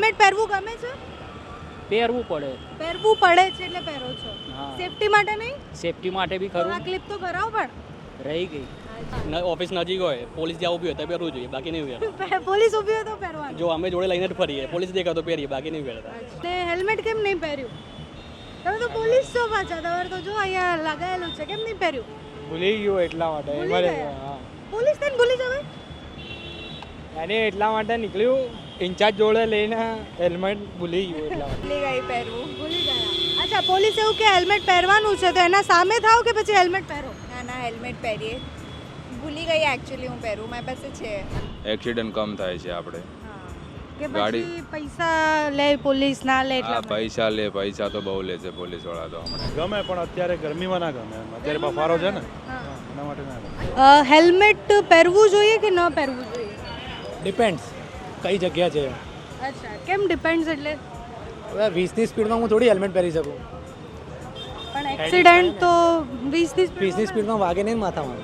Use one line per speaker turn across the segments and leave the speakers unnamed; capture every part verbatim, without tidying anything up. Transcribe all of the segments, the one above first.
Helmet પહેરવું ગમે છે?
પહેરવું પડે.
પહેરવું પડે છે એટલે પહેરો છો. સેફટી માટે નહીં?
સેફટી માટે બી
તો આ
ખરું.
ક્લિપ તો કરાવો પણ.
રહી ગઈ.
ઓફિસ નજીક હોય પોલીસ જ્યાં ઊભી હોય તો પહેરવું જોઈએ, બાકી નહીં પહેરતા.
પોલીસ ઊભી હોય તો પહેરવાનું.
જો અમે જોડે લઈને જ ફરીએ, પોલીસ દેખાય તો પહેરીએ, બાકી નહીં પહેરતા.
ને હેલ્મેટ કેમ નહીં પહેર્યું? તમે તો પોલીસ છો પાછા, તમારે તો જો અહીંયા લગાવેલું છે, કેમ નહીં પહેર્યું?
ભૂલી ગયો એટલા માટે.
ભૂલી ગયા? પોલીસ તને ભૂલી જવાય?
અને એટલા માટે નીકળ્યું ઇન્ચાર્જ જોડે લઈને હેલ્મેટ ભૂલી ગયો એટલા માટે.
ભૂલી ગઈ પહેરવું.
ભૂલી ગયા. અચ્છા, પોલીસ એવું કે હેલ્મેટ પહેરવાનું છે તો એના સામે થાવ કે પછી હેલ્મેટ પહેરો?
ના ના હેલ્મેટ પહેરીએ. ભૂલી ગઈ એકચ્યુઅલી હું પહેરું, મારી પાસે છે.
એક્સિડન્ટ કમ થાય છે આપણે.
કે
ગાડી-
પછી પૈસા લે પોલીસ ના લે
આ
એટલા માટે?
પૈસા લે પૈસા તો બહુ લે છે પોલીસ વાળા તો હમણાં.
ગમે પણ અત્યારે ગરમીમાં ના ગમે, અત્યારે બફારો છે ને એના માટે ના ગમે.
અ, હેલ્મેટ પહેરવું જોઈએ કે ન પહેરવું જોઈએ?
ડિપેન્ડ્સ કઈ જગ્યા છે.
અચ્છા, કેમ ડિપેન્ડ્સ એટલે?
હવે વીસની સ્પીડમાં હું થોડી હેલ્મેટ પહેરી શકું.
પણ એક્સિડન્ટ તો વીસની
વીસની સ્પીડમાં વાગે નહીં ને માથામાં.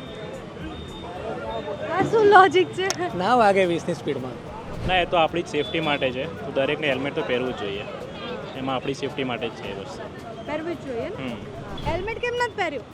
આ શું લોજિક છે?
ના વાગે વીસની સ્પીડમાં.
ના, એ તો આપણી જ સેફટી માટે છે, તો દરેકને હેલ્મેટ તો પહેરવું જ જોઈએ. એમાં આપણી સેફટી માટે જ છે એ વસ્તુ.
પહેરવું જ જોઈએ ને? હેલ્મેટ કેમ નથી પહેર્યું?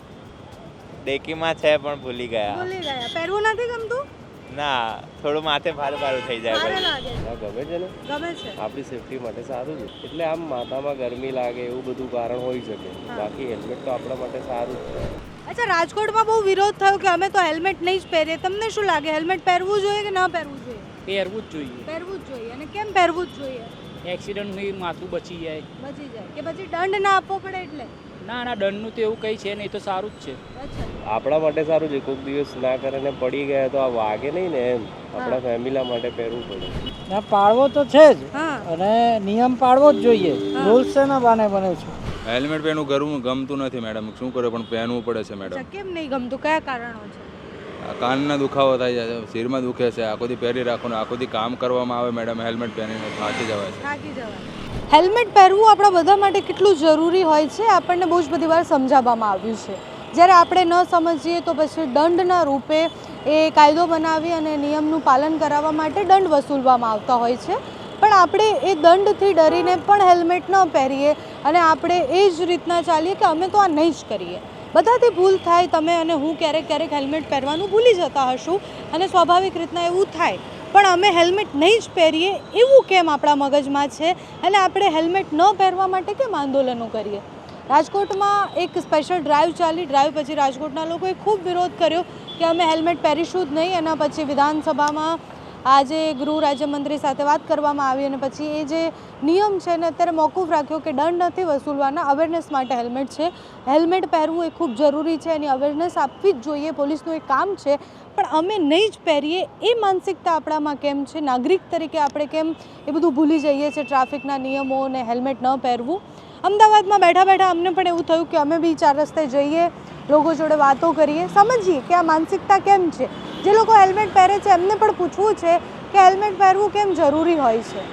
ડેકીમાં છે પણ ભૂલી ગયા.
ભૂલી ગયા. પહેરવું નથી ગમતું?
ના, થોડું માથે ભારે ભારે થઈ જાય
ભારે
પછી.
લાગે છે.
ગમે છે ને
ગમે છે.
આપણી સેફટી માટે સારું છે. એટલે આમ માથામાં ગરમી લાગે એવું બધું કારણ હોઈ શકે, બાકી હેલ્મેટ તો આપણા માટે સારું જ છે.
અચ્છા, રાજકોટમાં બહુ વિરોધ થયો કે અમે તો હેલ્મેટ નહીં જ પહેરીએ. તમને શું લાગે, હેલ્મેટ પહેરવું જોઈએ કે ન પહેરવું જોઈએ?
પહેરવું જ જોઈએ.
પહેરવું જ જોઈએ. અને કેમ પહેરવું જ જોઈએ?
એક્સિડન્ટથી માથું બચી જાય.
બચી જાય કે પછી દંડ ના આપવો પડે એટલે?
ના ના, દંડનું તો એવું કંઈ છે નહીં, એ તો સારું જ છે.
અચ્છા,
આપણા માટે સારું છે. કોઈક દિવસ ના કરે ને પડી ગયા તો આ વાગે નહીં ને, એમ આપણા ફેમિલી માટે પહેરવું પડે.
ના, પાળવો તો છે જ
હા.
અને નિયમ પાળવો જ જોઈએ. રૂલ્સ છે ને બાને બને છે.
હેલ્મેટ પહેરવું ગરવું ગમતું નથી મેડમ, શું કરે પણ પહેરવું પડે છે મેડમ.
અચ્છા, કેમ નહીં ગમતું? કયા કારણો છે?
આ કાનના દુખાવો થાય છે, શિરમાં દુખે છે, આખો દી પહેરી રાખવાનું, આખો દી કામ કરવામાં આવે મેડમ, હેલ્મેટ પહેરીને થાકી જવાય છે.
થાકી જવાય. હેલ્મેટ પહેરવું આપણા બધા માટે કેટલું જરૂરી હોય છે આપણને બહુ જ બધી વાર સમજાવવામાં આવ્યું છે. જ્યારે આપણે ન સમજીએ તો પછી દંડના રૂપે એ કાયદો બનાવી અને નિયમનું પાલન કરાવવા માટે દંડ વસૂલવામાં આવતા હોય છે. પણ આપણે એ દંડથી ડરીને પણ હેલ્મેટ ન પહેરીએ અને આપણે એ જ રીતના ચાલીએ કે અમે તો આ નહીં જ કરીએ. બધાથી ભૂલ થાય. તમે અને હું ક્યારેક ક્યારેક હેલ્મેટ પહેરવાનું ભૂલી જતા હશું અને સ્વાભાવિક રીતના એવું થાય, પણ અમે હેલ્મેટ નહીં જ પહેરીએ એવું કેમ આપણા મગજમાં છે અને આપણે હેલ્મેટ ન પહેરવા માટે કેમ આંદોલનો કરીએ? રાજકોટમાં એક સ્પેશિયલ ડ્રાઈવ ચાલી. ડ્રાઈવ પછી રાજકોટના લોકોએ ખૂબ વિરોધ કર્યો કે અમે હેલ્મેટ પહેરીશું જ નહીં. એના પછી વિધાનસભામાં આજે ગૃહ રાજ્યમંત્રી સાથે વાત કરવામાં આવી અને પછી એ જે નિયમ છે ને અત્યારે મોકૂફ રાખ્યો કે દંડ નથી વસૂલવાના, અવેરનેસ માટે હેલ્મેટ છે. હેલ્મેટ પહેરવું એ ખૂબ જરૂરી છે, એની અવેરનેસ આપવી જ જોઈએ, પોલીસનું એક કામ છે. પણ અમે નહીં જ પહેરીએ એ માનસિકતા આપણામાં કેમ છે? નાગરિક તરીકે આપણે કેમ એ બધું ભૂલી જઈએ છીએ, ટ્રાફિકના નિયમો અને હેલ્મેટ ન પહેરવું? અમદાવાદમાં બેઠા બેઠા અમને પણ એવું થયું કે અમે બી ચાર રસ્તે જઈએ, લોકો જોડે વાતો કરીએ, સમજીએ કે આ માનસિકતા કેમ છે. જે લોકો હેલ્મેટ પહેરે છે એમને પણ પૂછવું છે કે હેલ્મેટ પહેરવું કેમ જરૂરી હોય છે.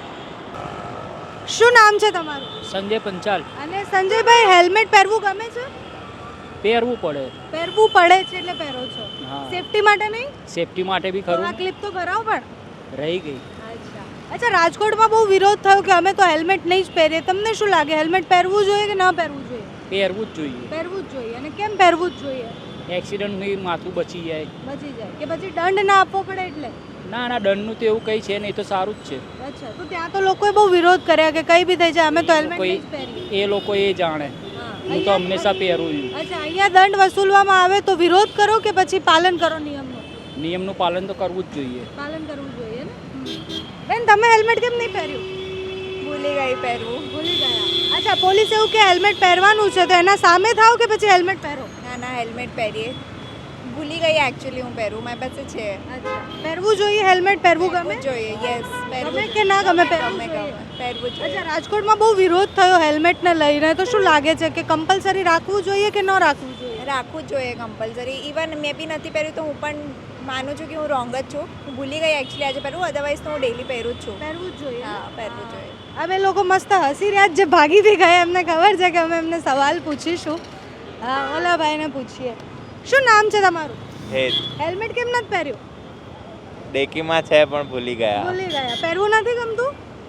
શું નામ છે તમારું?
સંજય પંચાલ.
અને સંજયભાઈ, હેલ્મેટ પહેરવું ગમે છે?
પહેરવું પડે.
પહેરવું પડે છે એટલે પહેરો છો.
હા.
સેફટી માટે નહીં?
સેફટી માટે બી
તો આ
ખરું.
ક્લિપ તો કરાવો પણ.
રહી ગઈ.
અચ્છા અચ્છા, રાજકોટમાં બહુ વિરોધ થયો કે અમે તો હેલ્મેટ નહીં જ પહેરીએ. તમને શું લાગે, હેલ્મેટ પહેરવું જોઈએ કે ન પહેરવું જોઈએ?
પહેરવું જ જોઈએ.
પહેરવું જ જોઈએ. અને કેમ પહેરવું જ જોઈએ?
એક્સિડન્ટથી માથું બચી જાય.
બચી જાય કે પછી દંડ ના આપવો પડે એટલે?
ના ના, દંડનું તો એવું કંઈ છે નહીં, એ તો સારું જ છે.
અચ્છા, તો ત્યાં તો લોકોએ બહુ વિરોધ કર્યા કે કંઈ બી થઈ જાય અમે તો હેલ્મેટ
કોઈ
નહીં જ પહેરીએ.
એ લોકો એ જાણે. હું તો હંમેશા પહેરું છું.
અચ્છા, અહીંયા દંડ વસૂલવામાં આવે તો વિરોધ કરો કે પછી પાલન કરો નિયમનું?
નિયમનું પાલન તો કરવું જ જોઈએ.
પાલન કરવું જોઈએ ને. બેન, તમે હેલ્મેટ કેમ નહીં પહેર્યું?
ભૂલી ગઈ પહેરવું.
ભૂલી ગયા. અચ્છા, પોલીસ એવું કે હેલ્મેટ પહેરવાનું છે તો એના સામે થાવ કે પછી હેલ્મેટ પહેરો?
ના ના હેલ્મેટ પહેરીએ. ભૂલી ગઈ એકચ્યુઅલી હું પહેરું, મારી પાસે છે.
અચ્છા, પહેરવું જોઈએ. હેલ્મેટ પહેરવું ગમે?
જોઈએ. યસ, પહેરવું
ગમે કે ના ગમે? પહેરવું
ગમે
જોઈએ.
ગમે પહેરવું જોઈએ.
અચ્છા, રાજકોટમાં બહુ વિરોધ થયો હેલ્મેટને લઈને, તો શું લાગે છે કે કમ્પલસરી રાખવું જોઈએ કે ન રાખવું જોઈએ?
રાખવું જ જોઈએ કમ્પલસરી. ઇવન મેં બી નથી પહેર્યું તો હું પણ માનું છું કે હું રોંગ જ છું. હું ભૂલી ગઈ એકચ્યુઅલી આજે પહેરવું, અધરવાઇઝ તો હું ડેલી પહેરું જ છું.
પહેરવું જ જોઈએ.
હા, પહેરવું જોઈએ.
અમે લોકો મસ્ત હસી રહ્યા, જે ભાગી બી ગયા એમને ખબર છે કે અમે એમને સવાલ પૂછીશું. હા, ઓલા ભાઈને પૂછીએ. શું નામ છે તમારું?
હેત.
હેલ્મેટ કેમ નથી પહેર્યું?
ડેકીમાં છે પણ ભૂલી ગયા.
ભૂલી ગયા. પહેરવું નથી ગમતું?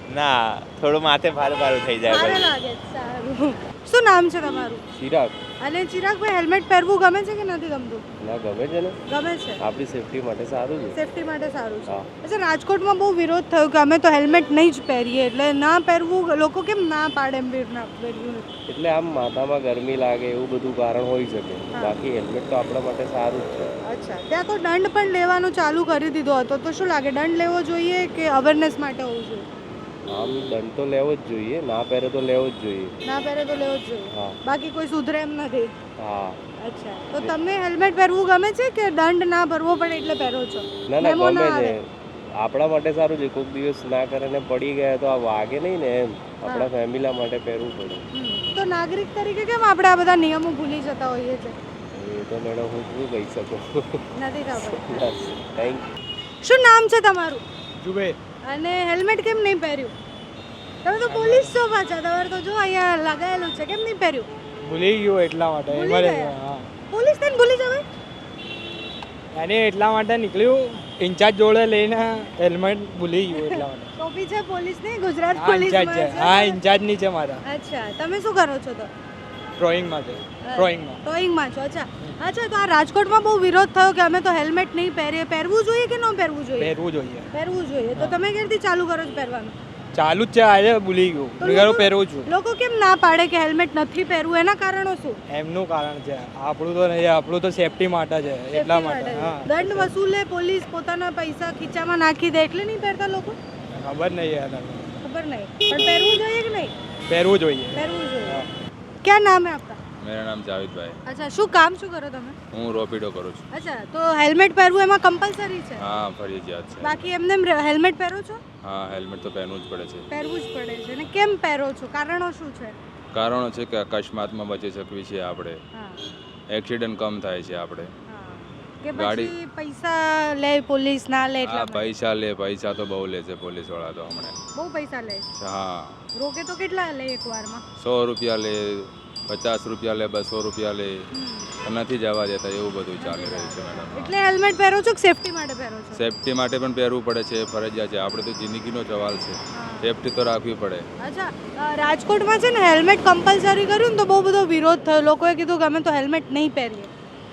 ના થોડું માથે ભારે ભારે થઈ જાય
સારું
પછી
લાગે છે, સારું. શું નામ છે તમારું?
ચિરાગ
અને ચિરાગભાઈ, હેલ્મેટ પહેરવું ગમે છે કે નથી ગમતું?
ના ગમે છે ને,
ગમે છે,
આપણી સેફટી માટે સારું છે.
સેફટી માટે સારું છે.
હા.
અચ્છા, રાજકોટમાં બહુ વિરોધ થયો કે અમે તો હેલ્મેટ નહીં જ પહેરીએ, એટલે ના પહેરવું લોકો કેમ ના પાડે એમ વીર ના પહેર્યું નથી?
એટલે આમ માથામાં ગરમી લાગે એવું બધું કારણ હોઈ શકે, બાકી હેલ્મેટ તો આપણા માટે સારું જ છે.
અચ્છા, ત્યાં તો દંડ પણ લેવાનું ચાલુ કરી દીધો હતો, તો શું લાગે દંડ લેવો જોઈએ કે અવેરનેસ માટે હોવું જોઈએ?
આમ દંડ તો લેવો જ જોઈએ, ના પહેરે તો લેવો જ જોઈએ.
ના પહેરે તો લેવો જ જોઈએ,
હા
બાકી કોઈ સુધરે એમ નથી.
હા.
અચ્છા, તો તમને હેલ્મેટ પહેરવું ગમે છે કે દંડ ના ભરવો પડે એટલે પહેરો છો?
ના ના
મેમો
ગમે
ના
છે,
આવે.
આપણા માટે સારું છે. કોઈક દિવસ ના કરે ને પડી ગયા તો આ વાગે નહીં ને, એમ આપણા ફેમિલી માટે પહેરવું પડે.
હમ. તો નાગરિક તરીકે કેમ આપણે આ બધા નિયમો ભૂલી જતા હોઈએ છીએ?
એ તો મેડમ હું શું કહી શકું.
નથી ખબર.
બસ થેન્ક
શું નામ છે તમારું?
જુબેર
અને હેલ્મેટ કેમ નહીં પહેર્યું? તમે તો પોલીસ છો પાછા, તમારે તો જો અહીંયા લગાવેલું છે, કેમ નહીં પહેર્યું?
ભૂલી ગયો એટલા માટે
ભૂલી
એમાં
ગયા?
હા
પોલીસ થઈને ભૂલી જવાય?
અને એટલા માટે નીકળ્યું ઇન્ચાર્જ જોડે લઈને હેલ્મેટ ભૂલી ગયો એટલા માટે
ટોપી છે પોલીસ ની, ગુજરાત
હા
પોલીસ
ઇન્ચાર્જ છે, હા ઇન્ચાર્જ ની છે મારા
અચ્છા, તમે શું કરો છો તો?
ડ્રોઈંગ માટે ડ્રોઈંગમાં
ડ્રોઈંગમાં છો. અચ્છા અચ્છા, તો આ રાજકોટમાં બહુ વિરોધ થયો કે અમે તો હેલ્મેટ નહીં પહેરીએ, પહેરવું જોઈએ કે ન પહેરવું જોઈએ?
પહેરવું જોઈએ
પહેરવું જોઈએ. તો તમે ક્યારથી ચાલુ કરો છો પહેરવાનું?
ચાલુ જ છે, આજે ભૂલી ગયો
તો
મેં કહ્યું
લોકો-
પહેરવું છું
લોકો કેમ ના પાડે કે હેલ્મેટ નથી પહેરવું, એના કારણો શું?
એમનું કારણ છે, આપણું તો નહીં, આપણું તો સેફટી માટે છે એટલા માટે હા
દંડ વસૂલે પોલીસ, પોતાના પૈસા ખીચામાં નાખી દે એટલે નહીં પહેરતા લોકો?
ખબર નહીં યાર
ખબર નહીં, પણ પહેરવું જોઈએ કે નહીં?
પહેરવું જોઈએ
પહેરવું જોઈએ. ક્યાં નામ है आपका?
मेरा नाम जावेदભાઈ.
અચ્છા, શું કામ શું કરો તમે?
હું રોપિડો કરું છું.
અચ્છા, તો હેલ્મેટ પહેરવું એમાં કમ્પલસરી છે?
હા ફરજિયાત છે.
બાકી એમને એમ હેલ્મેટ પહેરો છો?
હા હેલ્મેટ તો પહેરવું જ પડે છે.
પહેરવું જ પડે છે. અને કેમ પહેરો છો, કારણો શું છે?
કારણો છે કે અકસ્માતમાં બચી શકવી છીએ આપણે,
હા
એક્સિડન્ટ કમ થાય છે આપણે.
હા. કે
ગાડી-
પછી પૈસા લે પોલીસ, ના લે
આ
એટલા માટે?
પૈસા લે, પૈસા તો બહુ લે છે પોલીસ વાળા તો હમણાં.
બહુ પૈસા લે.
હા
રોકે તો કેટલા લે એક વારમાં?
સો રૂપિયા લે, પચાસ રૂપિયા લે, બસો રૂપિયા લે, નથી જવા દેતા, એવું બધું ચાલી રહ્યું છે મેડમ.
એટલે હેલ્મેટ પહેરો છો કે સેફટી માટે પહેરો છો?
સેફટી માટે પણ પહેરવું પડે છે, ફરજિયાત છે. આપણે તો જિંદગીનો સવાલ છે, સેફટી તો રાખવી પડે.
અચ્છા, અ, રાજકોટમાં છે ને હેલ્મેટ કમ્પલસરી કર્યું ને તો બહુ બધો વિરોધ થયો, લોકોએ કીધું કે અમે તો હેલ્મેટ નહીં પહેરીએ.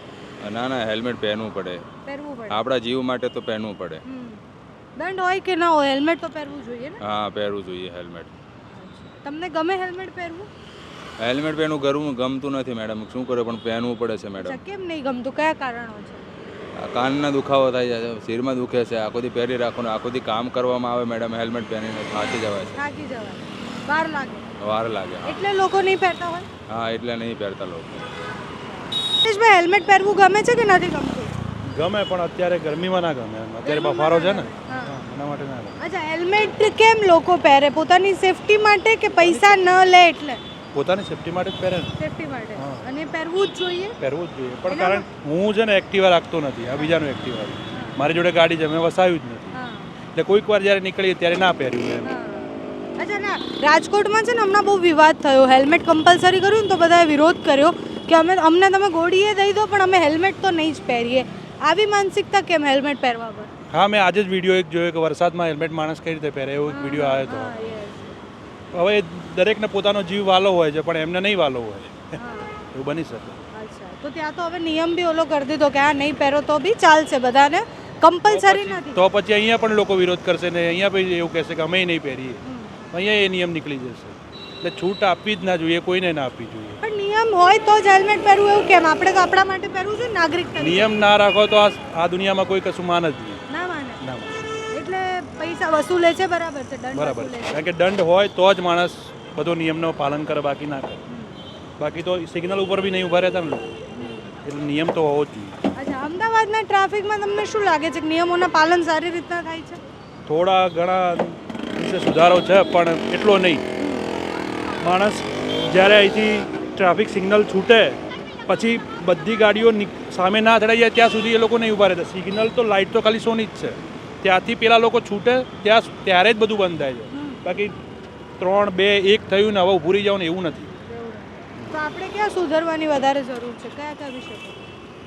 ના ના હેલ્મેટ પહેરવું પડે,
પહેરવું પડે.
આપણા જીવ માટે તો પહેરવું પડે.
હમ. દંડ હોય કે ના હોય, હેલ્મેટ તો પહેરવું જોઈએ ને?
હા પહેરવું જોઈએ હેલ્મેટ.
તમને ગમે હેલ્મેટ પહેરવું?
હેલ્મેટ પહેરવું ગરવું ગમતું નથી મેડમ, શું કરે પણ પહેરવું પડે છે મેડમ.
અચ્છા, કેમ નહીં ગમતું, કયા કારણો છે?
આ કાનના દુખાવો થાય છે, શિરમાં દુખે છે, આખો દી પહેરી રાખવાનું, આખો દી કામ કરવામાં આવે મેડમ, હેલ્મેટ પહેરીને થાકી જવાય છે,
થાકી જવાય, વાર લાગે,
વાર લાગે. હા.
એટલે લોકો નહીં પહેરતા હોય.
હા એટલે નહીં પહેરતા લોકો.
ભાઈ, હેલ્મેટ પહેરવું ગમે છે કે નથી ગમતું?
ગમે પણ અત્યારે ગરમીમાં ના ગમે એમ. અત્યારે બફારો છે ને
હા.
હા, એના માટે ના ગમે.
અચ્છા, હેલ્મેટ કેમ લોકો પહેરે? પોતાની સેફટી માટે કે પૈસા ન લે એટલે?
પોતાની સેફટી માટે જ પહેરે ને,
સેફટી માટે.
હા.
અને પહેરવું જ જોઈએ.
પહેરવું જ જોઈએ. પણ કારણ હું છે ને એક્ટિવા રાખતો નથી, આ બીજાનું એક્ટિવા મારી જોડે ગાડી છે, મેં વસાવ્યું જ નથી,
હા
એટલે કોઈક વાર જ્યારે નીકળીએ ત્યારે ના પહેર્યું એમ.
હા. અચ્છા, ના, રાજકોટમાં છે ને હમણાં બહુ વિવાદ થયો, હેલ્મેટ કમ્પલસરી કર્યું ને તો બધાએ વિરોધ કર્યો કે અમે અમને તમે ગોળીએ દઈ દો પણ અમે હેલ્મેટ તો નહીં જ પહેરીએ. આવી માનસિકતા કેમ હેલ્મેટ પહેરવા પર?
હા મેં આજે જ વિડીયો એક જોયો કે વરસાદમાં હેલ્મેટ માણસ કઈ રીતે પહેરે, એવો એક વિડીયો આવ્યો હતો.
હા, yes.
હવે દરેકને પોતાનો જીવ વાલો હોય છે પણ એમને નહીં વાલો હોય,
હા.
એવું બની શકે.
અચ્છા, તો ત્યાં તો હવે નિયમ બી ઓલો કરી દીધો કે આ નહીં પહેરો તો બી ચાલશે, બધાને કમ્પલસરી નથી.
તો પછી અહીંયા પણ લોકો વિરોધ કરશે ને અહીંયા પછી એવું કહેશે કે અમે નહીં પહેરીએ, અહીંયા એ નિયમ નીકળી જશે. એટલે છૂટ આપવી જ ના જોઈએ, કોઈને ના આપવી જોઈએ.
પણ નિયમ હોય તો જ હેલ્મેટ પહેરવું એવું કેમ? આપણે તો આપણા માટે પહેરવું છે, નાગરિક તરીકે.
નિયમ ના રાખો તો આ આ દુનિયામાં કોઈ કશું માન જ નહીં.
ના માને.
ના માને.
એટલે પૈસા વસૂલે છે, બરાબર છે, દંડ
બરાબર
વસૂલે
છે.
છે.
કારણ કે દંડ હોય તો જ માણસ બધો નિયમનું પાલન કરે, બાકી ના કરે. બાકી તો સિગ્નલ ઉપર બી નહીં ઊભા રહેતા ને લોકો, એટલે નિયમ તો હોવો જ જોઈએ.
અચ્છા, અમદાવાદના ટ્રાફિકમાં તમને શું લાગે છે કે નિયમોના પાલન સારી રીતના થાય છે?
થોડા ઘણા વિશે સુધારો છે પણ એટલો નહીં. માણસ જ્યારે અહીંથી ટ્રાફિક સિગ્નલ છૂટે પછી બધી ગાડીઓ નીક- સામે ના અથડાઈ જાય ત્યાં સુધી એ લોકો નહીં ઊભા રહેતા. સિગ્નલ તો લાઇટ તો ખાલી સોની જ છે, ત્યાંથી પેલા લોકો છૂટે ત્યાં ત્યારે જ બધું બંધ થાય છે. બાકી ત્રણ બે એક થયું ને હવે ઊભું રહી જાવ ને એવું નથી.
તો આપણે ક્યાં સુધરવાની વધારે જરૂર છે, કયા કયા વિષય પર?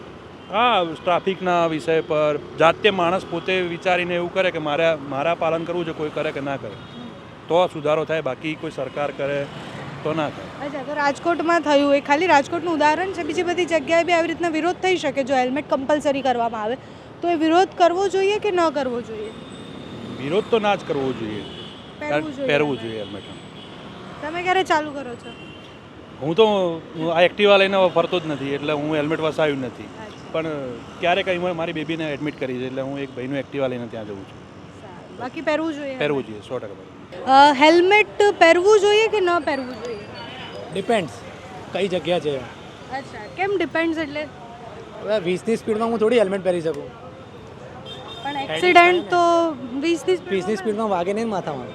હા ટ્રાફિકના વિષય પર જાતે માણસ પોતે વિચારીને એવું કરે કે મારે મારા પાલન કરવું છે, કોઈ કરે કે ના કરે તો સુધારો થાય, બાકી કોઈ સરકાર કરે તો ના થાય.
અચ્છા, તો રાજકોટમાં થયું એ ખાલી રાજકોટનું ઉદાહરણ છે, બીજી બધી જગ્યાએ બી આવી રીતના વિરોધ થઈ શકે જો હેલ્મેટ કમ્પલસરી કરવામાં આવે તો એ વિરોધ કરવો જોઈએ કે ન કરવો જોઈએ?
વિરોધ તો ના જ કરવો જોઈએ,
પહેરવું જોઈએ.
પહેરવું જોઈએ હેલ્મેટ.
તમે ક્યારે ચાલુ કરો છો?
હું તો હું આ એક્ટિવા લઈને ફરતો જ નથી, એટલે હું હેલ્મેટ વસાવ્યું નથી. પણ ક્યારેક અહીં મારી બેબીને એડમિટ કરી છે, એટલે હું એક ભાઈનું એક્ટિવા લઈને ત્યાં જઉં છું.
બાકી પહેરવું જોઈએ.
પહેરવું જોઈએ, સો ટકા.
હેલ્મેટ પહેરવું જોઈએ કે ન પહેરવું જોઈએ?
ડિપેન્ડ્સ કઈ જગ્યા છે.
અચ્છા, કેમ ડિપેન્ડ્સ એટલે?
હવે વીસની સ્પીડમાં હું થોડી હેલ્મેટ પહેરી શકું.
પણ એક્સિડન્ટ તો વીસની
વીસની સ્પીડમાં વાગે નહીં માથામાં.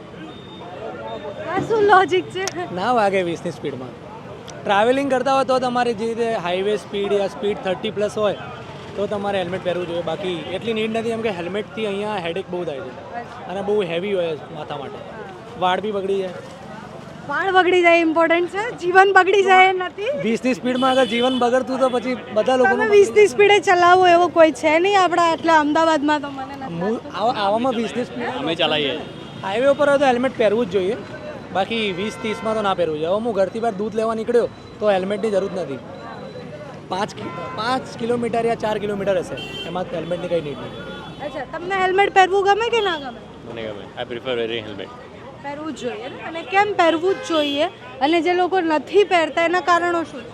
આ શું લોજિક છે?
ના વાગે વીસની સ્પીડમાં. ટ્રાવેલિંગ કરતા હોય તો તમારે જે રીતે હાઈવે સ્પીડ યા સ્પીડ થર્ટી પ્લસ હોય તો તમારે હેલ્મેટ પહેરવું જોઈએ. બાકી એટલી નીડ નથી, એમ કે હેલ્મેટથી અહીંયા હેડેક બહુ થાય છે અને બહુ હેવી હોય માથા માટે. વાળ બી બગડી જાય.
વાળ બગડી જાય ઇમ્પોર્ટન્ટ છે, જીવન બગડી જાય એ નથી.
વીસની સ્પીડમાં અગર જીવન બગડતું તો પછી બધા લોકો
તમે વીસની સ્પીડે ચલાવો એવો કોઈ છે નહીં આપણા આટલા અમદાવાદમાં, તો મને નથી.
આવામાં વીસની સ્પીડ
અમે ચલાવીએ.
હાઈવે ઉપર હોય તો હેલ્મેટ પહેરવું જ જોઈએ. બાકી વીસ ત્રીસમાં તો ના પહેરવું જોઈએ. હવે હું ઘરથી બહાર દૂધ લેવા નીકળ્યો તો હેલ્મેટની જરૂર નથી. પાંચ પાંચ કિલોમીટર યા ચાર કિલોમીટર હશે, એમાં હેલ્મેટની કંઈ નીડ નથી.
અચ્છા, તમને હેલ્મેટ પહેરવું ગમે કે ના ગમે?
મને ગમે. I prefer wearing helmet.
પહેરવું જ જોઈએ ને? અને કેમ પહેરવું જ જોઈએ? અને જે લોકો નથી પહેરતા એના કારણો શું?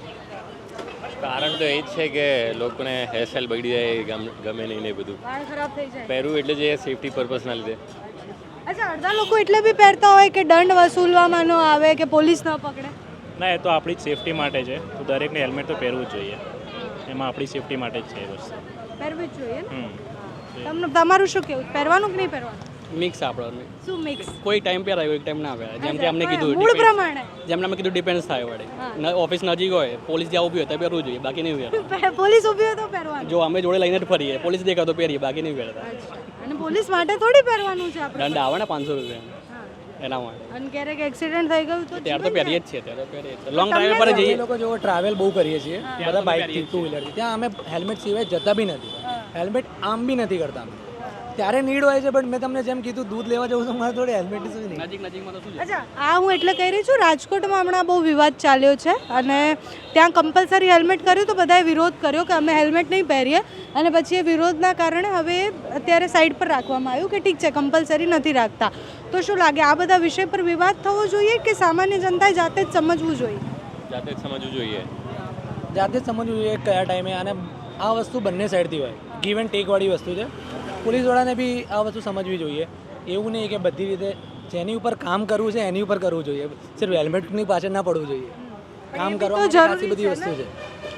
કારણ તો એ જ છે કે લોકોને હેરસ્ટાઈલ બગડી જાય, ગમ- ગમે નહીં ને એ બધું.
વાળ ખરાબ થઈ જાય.
પહેરવું એટલે જે સેફટી પર્પઝના લીધે.
અચ્છા, અડધા લોકો એટલે બી પહેરતા હોય કે દંડ વસૂલવામાં ન આવે કે પોલીસ ન પકડે.
ના, એ તો આપણી જ સેફટી માટે છે, તો દરેકને હેલ્મેટ તો પહેરવું જ જોઈએ. એમાં આપણી સેફટી માટે જ છે એ વસ્તુ.
પહેરવું જ જોઈએ ને?
હમ
તમને તમારું શું કેવું? પહેરવાનું કે નહીં પહેરવાનું?
મિક્સ આપણે
શું મિક્સ?
કોઈ ટાઈમ પહેરાય, કોઈ ટાઈમ ના પહેરાય. જેમ કે અમને કીધું
મૂળ પ્રમાણે.
જેમ અમે કીધું ડિપેન્ડ્સ થાય વડે. ઓફિસ નજીક હોય, પોલીસ જ્યાં ઊભી હોય ત્યાં પહેરવું જોઈએ, બાકી નહીં પહેરતા.
પોલીસ ઊભી હોય તો પહેરવાનું.
જો અમે જોડે લઈને જ ફરીએ, પોલીસ દેખાય તો પહેરીએ, બાકી નહીં પહેરતા.
અને પોલીસ માટે થોડી પહેરવાનું છે આપણે.
દંડ આવે ને પાંચસો રૂપિયા એના માટે.
અને ક્યારેક એક્સિડન્ટ થઈ ગયું તો
ત્યારે તો પહેરીએ જ છીએ, ત્યારે તો પહેરીએ જ. લોંગ ડ્રાઈવ પર
એ
જઈએ
લોકો જો ટ્રાવેલ બહુ કરીએ છીએ બધા બાઇકથી ટુ વ્હીલરથી, ત્યાં અમે હેલ્મેટ સિવાય જતા બી નથી. હેલ્મેટ આમ બી નથી કરતા અમે. ત્યારે નીડ હોય છે, બટ મેં તમને જેમ કીધું દૂધ લેવા જવું તો મારે થોડી હેલ્મેટ નહીં.
નજીક નજીકમાં તો શું છે.
અચ્છા, આ હું એટલે કહી રહી છું, રાજકોટમાં હમણાં બહુ વિવાદ ચાલ્યો છે અને ત્યાં કમ્પલસરી હેલ્મેટ કર્યું તો બધાએ વિરોધ કર્યો કે અમે હેલ્મેટ નહીં પહેરીએ, અને પછી એ વિરોધના કારણે હવે અત્યારે સાઈડ પર રાખવામાં આવ્યું કે ઠીક છે કમ્પલસરી નથી રાખતા. તો શું લાગે, આ બધા વિષય પર વિવાદ થવો જોઈએ કે સામાન્ય જનતાએ જાતે જ સમજવું જોઈએ?
જાતે જ સમજવું જોઈએ.
જાતે જ સમજવું જોઈએ કયા ટાઈમે. અને આ વસ્તુ બંને સાઈડથી હોય, ગીવ એન્ડ ટેક વાળી વસ્તુ છે. પોલીસવાળાને બી આ વસ્તુ સમજવી જોઈએ. એવું નહીં કે બધી રીતે જેની ઉપર કામ કરવું છે એની ઉપર કરવું જોઈએ, સિર્ફ હેલ્મેટની પાછળ ના પડવું જોઈએ. કામ કરવા માટે ખાસી બધી વસ્તુ છે,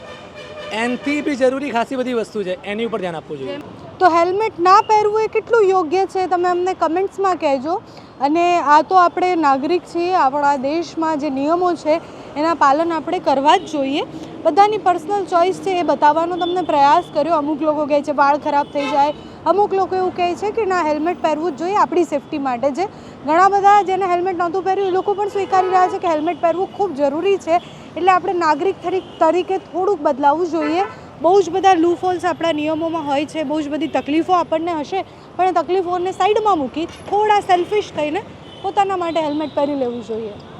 એનથી બી જરૂરી ખાસી બધી વસ્તુ છે, એની ઉપર ધ્યાન આપવું જોઈએ.
તો હેલ્મેટ ના પહેરવું એ કેટલું યોગ્ય છે તમે અમને કમેન્ટ્સમાં કહેજો. અને આ તો આપણે નાગરિક છીએ, આપણા દેશમાં જે નિયમો છે એના પાલન આપણે કરવા જ જોઈએ. બધાની પર્સનલ ચોઈસ છે એ બતાવવાનો તમને પ્રયાસ કર્યો. અમુક લોકો કહે છે વાળ ખરાબ થઈ જાય, અમુક લોકો એવું કહે છે કે ના હેલ્મેટ પહેરવું જ જોઈએ આપણી સેફટી માટે. જે ઘણા બધા જેને હેલ્મેટ નહોતું પહેર્યું એ લોકો પણ સ્વીકારી રહ્યા છે કે હેલ્મેટ પહેરવું ખૂબ જરૂરી છે. એટલે આપણે નાગરિક તરીકે થોડુંક બદલાવવું જોઈએ. બહુ જ બધા લૂફોલ્સ આપણા નિયમોમાં હોય છે, બહુ જ બધી તકલીફો આપણને હશે, પણ એ તકલીફોને સાઈડમાં મૂકી થોડા સેલ્ફિશ થઈને પોતાના માટે હેલ્મેટ પહેરી લેવું જોઈએ.